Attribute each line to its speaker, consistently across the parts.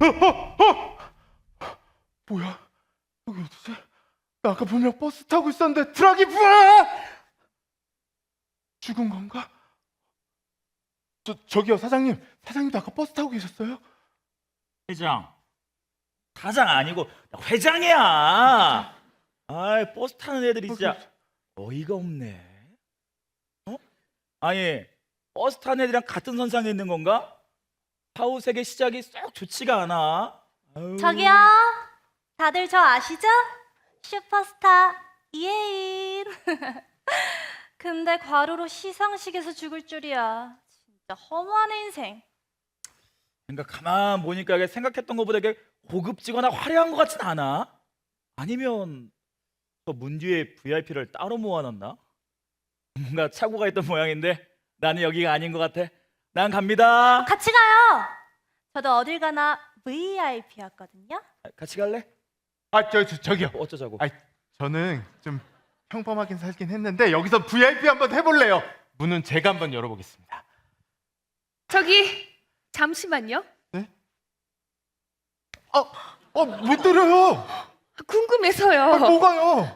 Speaker 1: 뭐야? 여기 어디지? 나 아까 분명 버스 타고 있었는데 트럭이 부하! 죽은 건가? 저기요 사장님도 아까 버스 타고 계셨어요?
Speaker 2: 회장, 사장 아니고 회장이야. 아이, 버스 타는 애들이 진짜 어이가 없네. 어? 아니, 버스 타는 애들이랑 같은 선상에 있는 건가? 사후세계 시작이 썩 좋지가 않아. 아유.
Speaker 3: 저기요, 다들 저 아시죠? 슈퍼스타 이혜인. 근데 과로로 시상식에서 죽을 줄이야. 진짜 허무하네 인생.
Speaker 2: 그러니까 가만 보니까 이게 생각했던 것보다 이게 고급지거나 화려한 것 같진 않아. 아니면 저 문 뒤에 VIP를 따로 모아놨나? 뭔가 착오가 있던 모양인데 나는 여기가 아닌 것 같아. 난 갑니다.
Speaker 3: 같이 가요. 저도 어딜 가나 VIP였거든요.
Speaker 2: 같이 갈래?
Speaker 1: 저기요.
Speaker 2: 어쩌자고?
Speaker 1: 저는 좀 평범하긴 살긴 했는데 여기서 VIP 한번 해볼래요. 문은 제가 한번 열어보겠습니다.
Speaker 4: 저기 잠시만요.
Speaker 1: 네? 못 때려요.
Speaker 4: 궁금해서요.
Speaker 1: 뭐가요?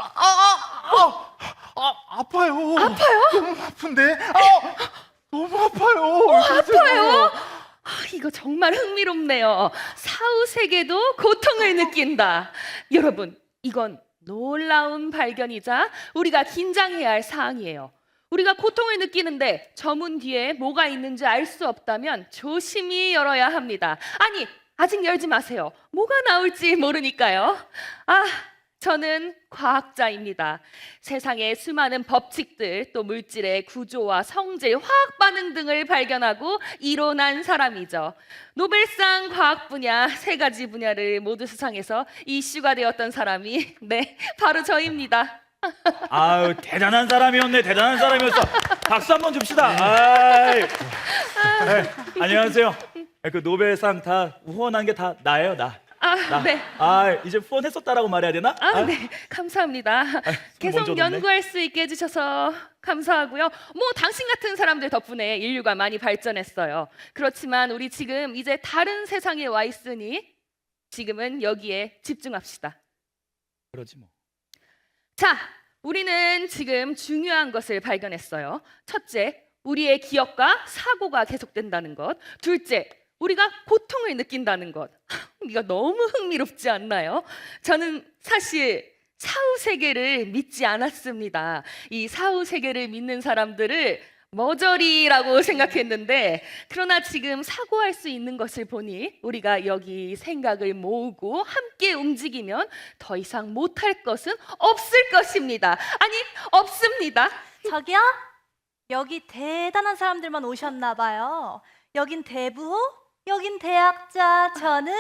Speaker 1: 아파요.
Speaker 4: 아파요?
Speaker 1: 너무 아픈데? 너무 아파요.
Speaker 4: 아파요? 이거 정말 흥미롭네요. 사후 세계도 고통을 느낀다. 여러분, 이건 놀라운 발견이자 우리가 긴장해야 할 사항이에요. 우리가 고통을 느끼는데 저 문 뒤에 뭐가 있는지 알 수 없다면 조심히 열어야 합니다. 아니, 아직 열지 마세요. 뭐가 나올지 모르니까요. 저는 과학자입니다. 세상의 수많은 법칙들, 또 물질의 구조와 성질, 화학 반응 등을 발견하고 이론한 사람이죠. 노벨상 과학 분야 3가지 분야를 모두 수상해서 이슈가 되었던 사람이 바로 저입니다.
Speaker 2: 아유, 대단한 사람이었네. 대단한 사람이었어. 박수 한번 줍시다. 아이. 안녕하세요. 그 노벨상 다 후원한 게 다 나예요, 나.
Speaker 4: 네.
Speaker 2: 이제 후원했었다라고 말해야 되나?
Speaker 4: 네, 감사합니다. 계속
Speaker 2: 먼저
Speaker 4: 연구할 수 있게 해주셔서 감사하고요. 당신 같은 사람들 덕분에 인류가 많이 발전했어요. 그렇지만 우리 지금 이제 다른 세상에 와 있으니 지금은 여기에 집중합시다.
Speaker 2: 그러지 뭐.
Speaker 4: 자, 우리는 지금 중요한 것을 발견했어요. 첫째, 우리의 기억과 사고가 계속된다는 것. 둘째, 우리가 고통을 느낀다는 것. 이거 너무 흥미롭지 않나요? 저는 사실 사후 세계를 믿지 않았습니다. 이 사후 세계를 믿는 사람들을 머저리라고 생각했는데, 그러나 지금 사고할 수 있는 것을 보니 우리가 여기 생각을 모으고 함께 움직이면 더 이상 못할 것은 없을 것입니다. 아니, 없습니다.
Speaker 3: 저기요, 여기 대단한 사람들만 오셨나 봐요. 여긴 대부호, 여긴 대학자, 저는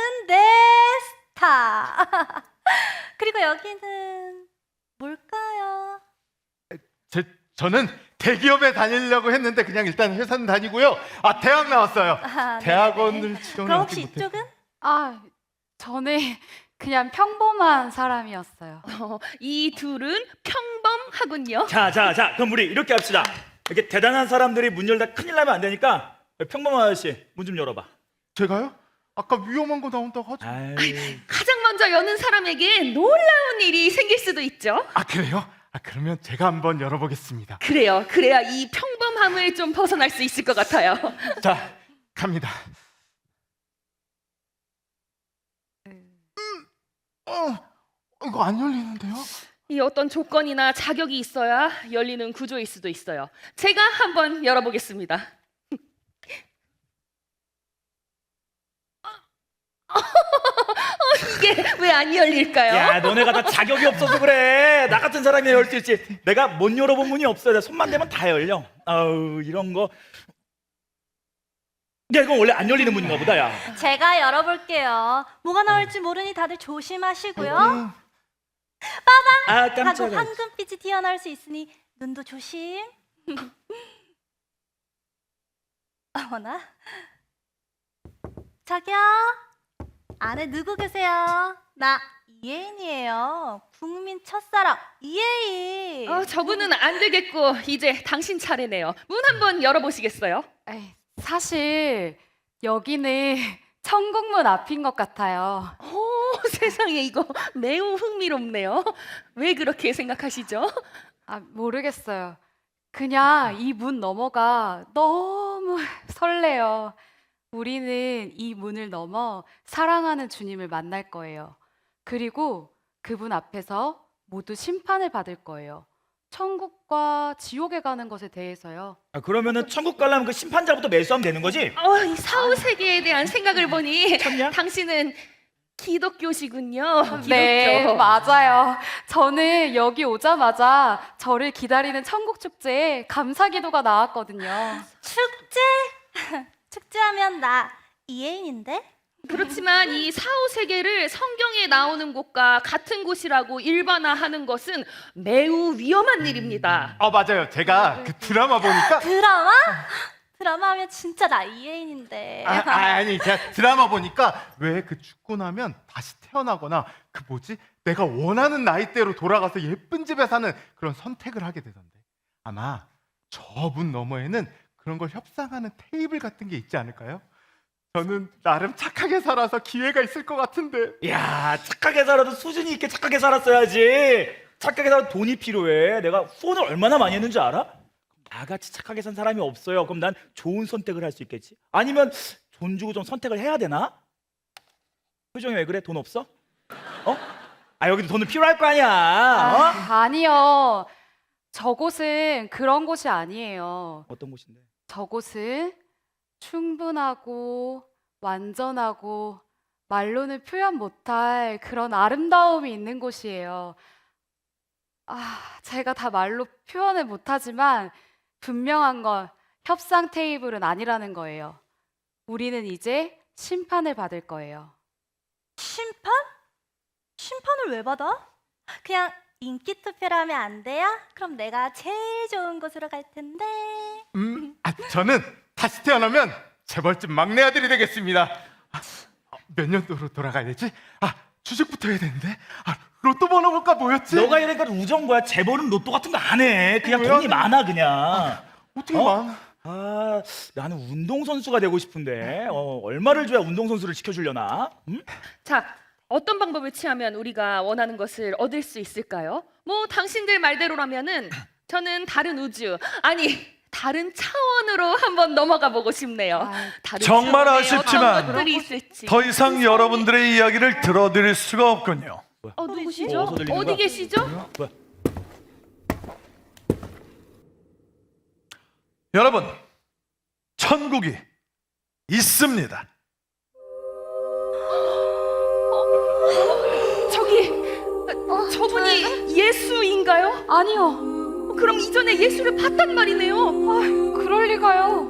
Speaker 3: 대스타. 그리고 여기는 뭘까요?
Speaker 1: 저는 대기업에 다니려고 했는데 그냥 일단 회사는 다니고요. 대학 나왔어요.
Speaker 3: 네.
Speaker 1: 대학원을
Speaker 3: 그럼
Speaker 1: 지원하지
Speaker 3: 혹시
Speaker 1: 못해.
Speaker 3: 이쪽은?
Speaker 5: 저는 그냥 평범한 사람이었어요.
Speaker 4: 이 둘은 평범하군요.
Speaker 2: 자, 그럼 우리 이렇게 합시다. 이렇게 대단한 사람들이 문 열다 큰일 나면 안 되니까 평범한 아저씨 문 좀 열어봐.
Speaker 1: 제가요? 아까 위험한 거 나온다고 하죠.
Speaker 4: 가장 먼저 여는 사람에게 놀라운 일이 생길 수도 있죠.
Speaker 1: 그래요? 그러면 제가 한번 열어보겠습니다.
Speaker 4: 그래요. 그래야 이 평범함을 좀 벗어날 수 있을 것 같아요.
Speaker 1: 자, 갑니다. 이거 안 열리는데요?
Speaker 4: 이 어떤 조건이나 자격이 있어야 열리는 구조일 수도 있어요. 제가 한번 열어보겠습니다. 이게 왜 안 열릴까요?
Speaker 2: 야, 너네가 다 자격이 없어서 그래. 나 같은 사람이 열 수 있지. 내가 못 열어본 문이 없어요. 손만 대면 다 열려. 이런 거. 야, 이건 원래 안 열리는 문인가 보다, 야.
Speaker 3: 제가 열어볼게요. 뭐가 나올지 모르니 다들 조심하시고요. 하고
Speaker 2: 깜짝이야.
Speaker 3: 황금빛이 튀어나올 수 있으니 눈도 조심. 어머나. 저기요. 안에 누구 계세요? 나 이혜인이에요. 국민 첫사랑 이혜인.
Speaker 4: 저분은 안 되겠고 이제 당신 차례네요. 문 한번 열어보시겠어요?
Speaker 5: 사실 여기는 천국문 앞인 것 같아요.
Speaker 4: 세상에 이거 매우 흥미롭네요. 왜 그렇게 생각하시죠?
Speaker 5: 아, 모르겠어요. 그냥 이 문 너머가 너무 설레요. 우리는 이 문을 넘어 사랑하는 주님을 만날 거예요. 그리고 그분 앞에서 모두 심판을 받을 거예요. 천국과 지옥에 가는 것에 대해서요.
Speaker 2: 아, 그러면은 천국 가려면 그 심판자부터 매수하면 되는 거지?
Speaker 4: 이 사후 세계에 대한 생각을 보니
Speaker 2: 쳤냐?
Speaker 4: 당신은 기독교시군요.
Speaker 5: 네,
Speaker 4: 기독교.
Speaker 5: 맞아요. 저는 여기 오자마자 저를 기다리는 천국 축제에 감사 기도가 나왔거든요.
Speaker 3: 축제? 축제하면 나 이혜인인데?
Speaker 4: 그렇지만 이 사후 세계를 성경에 나오는 곳과 같은 곳이라고 일반화하는 것은 매우 위험한 일입니다.
Speaker 1: 맞아요. 제가 그 드라마 보니까
Speaker 3: 드라마? 드라마 하면 진짜 나 이혜인인데.
Speaker 1: 아니 제가 드라마 보니까 왜 그 죽고 나면 다시 태어나거나 그 뭐지? 내가 원하는 나이대로 돌아가서 예쁜 집에 사는 그런 선택을 하게 되던데 아마 저문 너머에는 그런 걸 협상하는 테이블 같은 게 있지 않을까요? 저는 나름 착하게 살아서 기회가 있을 것 같은데.
Speaker 2: 야, 착하게 살아도 수준이 있게 착하게 살았어야지. 착하게 살아도 돈이 필요해. 내가 후원을 얼마나 많이 했는지 알아? 나같이 착하게 산 사람이 없어요. 그럼 난 좋은 선택을 할 수 있겠지. 아니면 돈 주고 좀 선택을 해야 되나? 표정이 왜 그래? 돈 없어? 여기도 돈은 필요할 거 아니야.
Speaker 5: 아니요. 저곳은 그런 곳이 아니에요.
Speaker 2: 어떤 곳인데?
Speaker 5: 저곳은 충분하고 완전하고 말로는 표현 못할 그런 아름다움이 있는 곳이에요. 제가 다 말로 표현을 못하지만 분명한 건 협상 테이블은 아니라는 거예요. 우리는 이제 심판을 받을 거예요.
Speaker 3: 심판? 심판을 왜 받아? 그냥 인기 투표를 하면 안 돼요? 그럼 내가 제일 좋은 곳으로 갈 텐데.
Speaker 1: 저는 다시 태어나면 재벌집 막내 아들이 되겠습니다. 몇 년도로 돌아가야 되지? 주식부터 해야 되는데. 로또 번호가 뭐였지?
Speaker 2: 너가 이러니까 우정 거야. 재벌은 로또 같은 거 안 해. 그냥
Speaker 1: 왜요?
Speaker 2: 돈이 많아 그냥.
Speaker 1: 어떻게
Speaker 2: 어?
Speaker 1: 많아?
Speaker 2: 나는 운동선수가 되고 싶은데 얼마를 줘야 운동선수를 시켜주려나? 응?
Speaker 4: 자, 어떤 방법을 취하면 우리가 원하는 것을 얻을 수 있을까요? 뭐 당신들 말대로라면은 저는 다른 우주, 아니 다른 차원으로 한번 넘어가 보고 싶네요. 다른
Speaker 6: 정말
Speaker 4: 차원에
Speaker 6: 아쉽지만
Speaker 4: 어떤 것들이 있을지.
Speaker 6: 더 이상 여러분들의 이야기를 들어드릴 수가 없군요.
Speaker 4: 누구시죠?
Speaker 2: 어디서 들리는
Speaker 4: 어디
Speaker 2: 거야?
Speaker 4: 계시죠?
Speaker 2: 뭐야?
Speaker 6: 여러분, 천국이 있습니다.
Speaker 4: 저분이 예수인가요?
Speaker 5: 아니요.
Speaker 4: 그럼 이전에 예수를 봤단 말이네요.
Speaker 5: 그럴 리가요.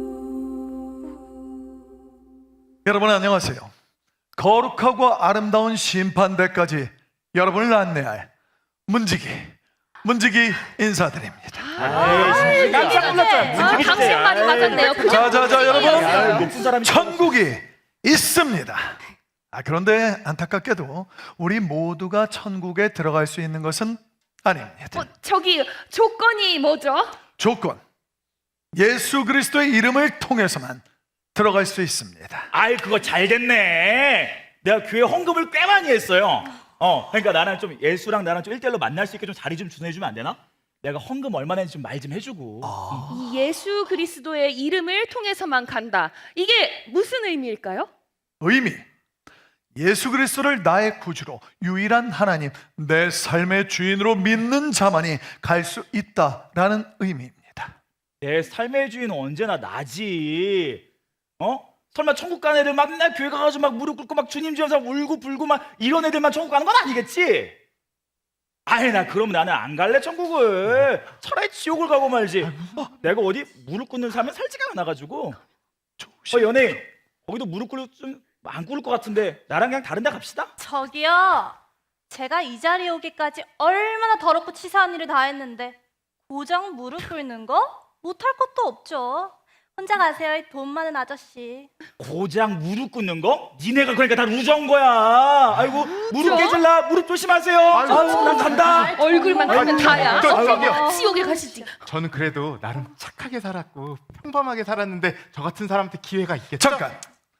Speaker 6: 여러분 안녕하세요. 거룩하고 아름다운 심판대까지 여러분을 안내할 문지기 인사드립니다.
Speaker 2: 깜짝 놀랐잖아.
Speaker 4: 당신 말이 맞았네요. 그냥
Speaker 6: 자자자 여러분,
Speaker 2: 높은 사람이
Speaker 6: 천국이 있습니다. 그런데 안타깝게도 우리 모두가 천국에 들어갈 수 있는 것은 아닙니다.
Speaker 4: 저기 조건이 뭐죠?
Speaker 6: 조건, 예수 그리스도의 이름을 통해서만 들어갈 수 있습니다.
Speaker 2: 그거 잘 됐네. 내가 교회 헌금을 꽤 많이 했어요. 그러니까 나는 좀 예수랑 나랑 좀 1대1로 만날 수 있게 좀 자리 좀 주선해주면 안 되나? 내가 헌금 얼마나 했는지 좀 말 좀 해주고.
Speaker 4: 이 예수 그리스도의 이름을 통해서만 간다. 이게 무슨 의미일까요?
Speaker 6: 의미, 예수 그리스도를 나의 구주로 유일한 하나님, 내 삶의 주인으로 믿는 자만이 갈 수 있다라는 의미입니다.
Speaker 2: 내 삶의 주인은 언제나 나지. 설마 천국 가는 애들 막 맨날 교회 가가지고 막 무릎 꿇고 막 주님 주여서 울고 불고 막 이런 애들만 천국 가는 건 아니겠지? 나 그럼 나는 안 갈래 천국을. 차라리 지옥을 가고 말지. 내가 어디 무릎 꿇는 사람은 살지가 않아가지고. 연예인 거기도 무릎 꿇고 좀 안 꿇을 것 같은데 나랑 그냥 다른 데 갑시다.
Speaker 3: 저기요. 제가 이 자리에 오기까지 얼마나 더럽고 치사한 일을 다 했는데 고장 무릎 꿇는 거? 못할 것도 없죠. 혼자 가세요, 이 돈 많은 아저씨.
Speaker 2: 고장 무릎 꿇는 거? 니네가 그러니까 다 우정 거야. 아이고 무릎 깨질라. 무릎 조심하세요. 난 간다.
Speaker 4: 얼굴만 크면 다야.
Speaker 1: 저기요.
Speaker 4: 지옥에 가시지.
Speaker 1: 저는 그래도 나름 착하게 살았고 평범하게 살았는데 저 같은 사람한테 기회가 있겠죠?
Speaker 6: 잠깐,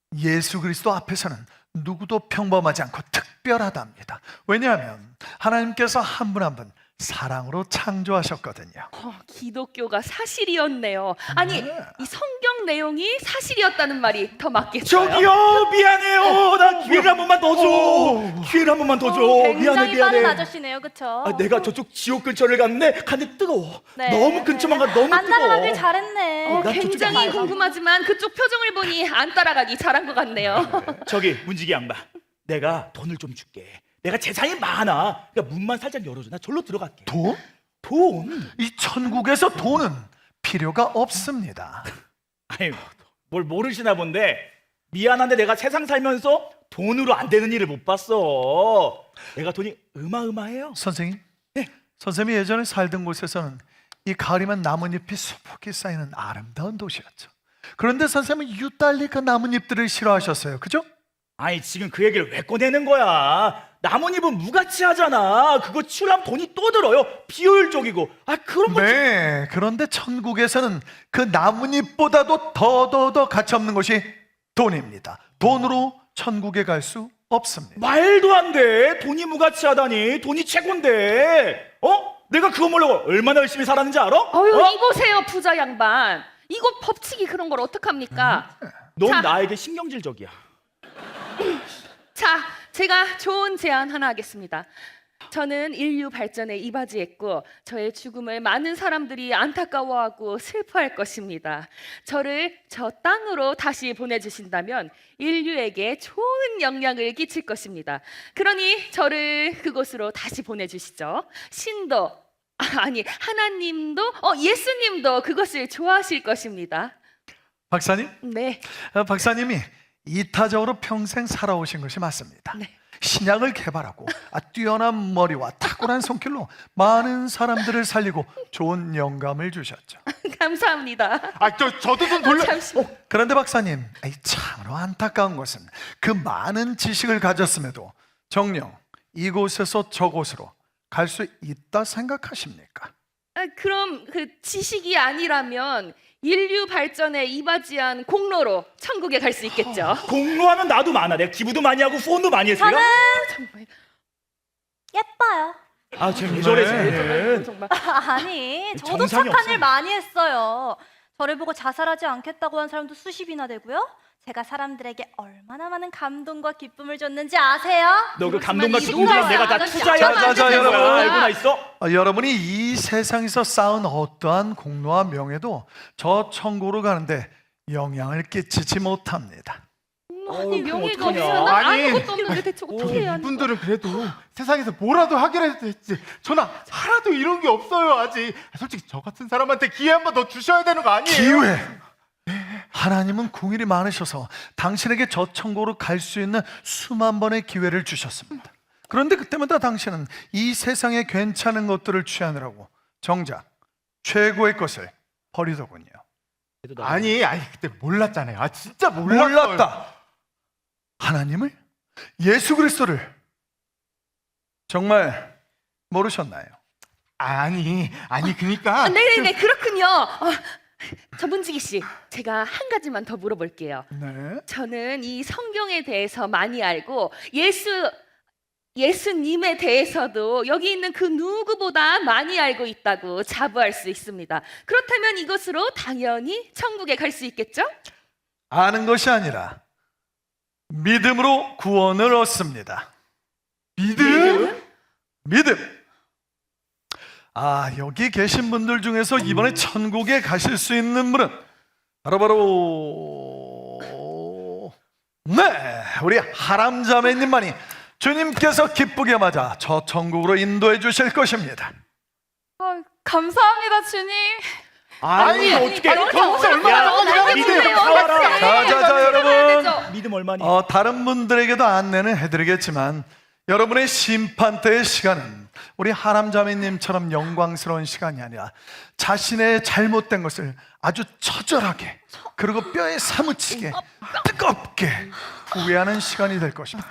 Speaker 6: 예수 그리스도 앞에서는 누구도 평범하지 않고 특별하답니다. 왜냐하면 하나님께서 한 분 한 분 사랑으로 창조하셨거든요.
Speaker 4: 기독교가 사실이었네요. 아니, 이 성경 내용이 사실이었다는 말이 더 맞겠어요.
Speaker 2: 저기요, 미안해요. 나 기회를 한 번만 더 줘. 기회를 한 번만 더 줘.
Speaker 3: 굉장히
Speaker 2: 미안해.
Speaker 3: 빠른 아저씨네요, 그쵸?
Speaker 2: 내가 저쪽 지옥 근처를 갔는데 뜨거워.
Speaker 3: 네.
Speaker 2: 너무 근처만 가. 너무
Speaker 3: 안
Speaker 2: 뜨거워.
Speaker 3: 따라가길 잘했네.
Speaker 2: 난 저쪽에
Speaker 4: 굉장히
Speaker 2: 가야 돼.
Speaker 4: 궁금하지만 그쪽 표정을 보니 안 따라가기 잘한 것 같네요.
Speaker 2: 저기 문지기 양반, 내가 돈을 좀 줄게. 내가 재산이 많아. 그러니까 문만 살짝 열어줘. 나 절로 들어갈게.
Speaker 6: 돈?
Speaker 2: 돈?
Speaker 6: 이 천국에서 돈은 필요가 없습니다.
Speaker 2: 아니, 뭘 모르시나 본데 미안한데 내가 세상 살면서 돈으로 안 되는 일을 못 봤어. 내가 돈이 어마어마해요.
Speaker 6: 선생님, 선생님이 예전에 살던 곳에서는 이 가을이면 나뭇잎이 수북히 쌓이는 아름다운 도시였죠. 그런데 선생님은 유달리 그 나뭇잎들을 싫어하셨어요. 그죠?
Speaker 2: 아니, 지금 그 얘기를 왜 꺼내는 거야? 나뭇잎은 무가치하잖아. 그거 치우려면 돈이 또 들어요. 비효율적이고. 그런 거.
Speaker 6: 네, 그런데 천국에서는 그 나뭇잎보다도 더 가치 없는 것이 돈입니다. 돈으로 천국에 갈 수 없습니다.
Speaker 2: 말도 안 돼. 돈이 무가치하다니. 돈이 최고인데. 내가 그거 모르고 얼마나 열심히 살았는지 알아?
Speaker 4: 이보세요, 부자 양반. 이거 법칙이 그런 걸 어떡합니까?
Speaker 2: 넌
Speaker 4: 자.
Speaker 2: 나에게 신경질적이야.
Speaker 4: 자, 제가 좋은 제안 하나 하겠습니다. 저는 인류 발전에 이바지했고 저의 죽음을 많은 사람들이 안타까워하고 슬퍼할 것입니다. 저를 저 땅으로 다시 보내주신다면 인류에게 좋은 영향을 끼칠 것입니다. 그러니 저를 그곳으로 다시 보내주시죠. 신도 아니 하나님도 예수님도 그것을 좋아하실 것입니다.
Speaker 6: 박사님,
Speaker 4: 네.
Speaker 6: 박사님이 이타적으로 평생 살아오신 것이 맞습니다.
Speaker 4: 네.
Speaker 6: 신약을 개발하고 뛰어난 머리와 탁월한 손길로 많은 사람들을 살리고 좋은 영감을 주셨죠.
Speaker 4: 감사합니다.
Speaker 1: 저도 좀 돌려.
Speaker 4: 잠시만.
Speaker 6: 그런데 박사님, 참으로 안타까운 것은 그 많은 지식을 가졌음에도 정녕 이곳에서 저곳으로 갈 수 있다 생각하십니까?
Speaker 4: 그럼 그 지식이 아니라면 인류 발전에 이바지한 공로로 천국에 갈 수 있겠죠.
Speaker 2: 공로하면 나도 많아. 내가 기부도 많이 하고 후원도 많이 했어요.
Speaker 4: 정말.
Speaker 3: 예뻐요.
Speaker 2: 쟤 왜 저래,
Speaker 6: 네.
Speaker 2: 쟤는.
Speaker 4: 정말.
Speaker 3: 아니, 저도
Speaker 2: 정상이
Speaker 3: 착한
Speaker 2: 없어.
Speaker 3: 일 많이 했어요. 저를 보고 자살하지 않겠다고 한 사람도 수십이나 되고요. 제가 사람들에게 얼마나 많은 감동과 기쁨을 줬는지 아세요?
Speaker 2: 너 그 감동과
Speaker 4: 그렇지만
Speaker 2: 기쁨을
Speaker 4: 이
Speaker 2: 내가 다
Speaker 4: 아저씨
Speaker 2: 투자해야
Speaker 6: 자, 자,
Speaker 2: 되는 거야.
Speaker 6: 여러분.
Speaker 2: 알고나 있어?
Speaker 6: 여러분이 이 세상에서 쌓은 어떠한 공로와 명예도 저 천국으로 가는데 영향을 끼치지 못합니다.
Speaker 4: 아니
Speaker 2: 그럼
Speaker 4: 명예가
Speaker 2: 어떡하냐.
Speaker 4: 없으면 난
Speaker 1: 아니.
Speaker 4: 아무것도 없는데 대체 어떻게 해야 하는 거야?
Speaker 1: 이분들은 그래도 세상에서 뭐라도 하기라도 했지. 저는 하나도 이런 게 없어요 아직. 솔직히 저 같은 사람한테 기회 한 번 더 주셔야 되는 거 아니에요?
Speaker 6: 기회! 하나님은 궁일이 많으셔서 당신에게 저 천국으로 갈 수 있는 수만 번의 기회를 주셨습니다. 그런데 그때마다 당신은 이 세상에 괜찮은 것들을 취하느라고 정작 최고의 것을 버리더군요.
Speaker 1: 아니 그때 몰랐잖아요. 진짜 몰랐어요.
Speaker 6: 몰랐다. 하나님을? 예수 그리스도를 정말 모르셨나요?
Speaker 1: 아니 그러니까
Speaker 4: 네네네 그렇군요. 전문지기 씨, 제가 한 가지만 더 물어볼게요.
Speaker 6: 네.
Speaker 4: 저는 이 성경에 대해서 많이 알고 예수님에 대해서도 여기 있는 그 누구보다 많이 알고 있다고 자부할 수 있습니다. 그렇다면 이것으로 당연히 천국에 갈 수 있겠죠?
Speaker 6: 아는 것이 아니라 믿음으로 구원을 얻습니다.
Speaker 1: 믿음?
Speaker 6: 믿음. 여기 계신 분들 중에서 이번에 천국에 가실 수 있는 분은 바로 네, 우리 하람자매님만이 주님께서 기쁘게 맞아 저 천국으로 인도해 주실 것입니다.
Speaker 5: 감사합니다, 주님.
Speaker 1: 아니 어떻게
Speaker 4: 아니,
Speaker 1: 진짜
Speaker 4: 얼마나
Speaker 1: 얼마나
Speaker 2: 믿음
Speaker 4: 믿음이에요.
Speaker 2: 사와라.
Speaker 6: 자, 여러분.
Speaker 2: 믿음 얼마니?
Speaker 6: 다른 분들에게도 안내는 해드리겠지만 여러분의 심판대의 시간은 우리 하람자매님처럼 영광스러운 시간이 아니라 자신의 잘못된 것을 아주 처절하게 그리고 뼈에 사무치게 뜨겁게 후회하는 시간이 될 것입니다.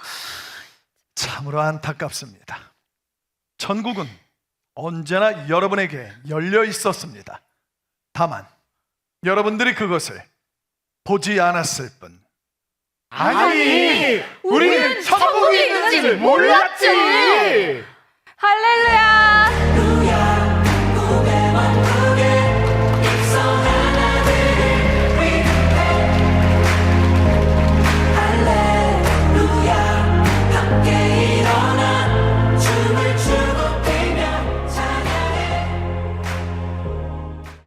Speaker 6: 참으로 안타깝습니다. 천국은 언제나 여러분에게 열려 있었습니다. 다만 여러분들이 그것을 보지 않았을 뿐
Speaker 1: 아니, 우리는 천국이 있는지 몰랐지.
Speaker 5: 할렐루야!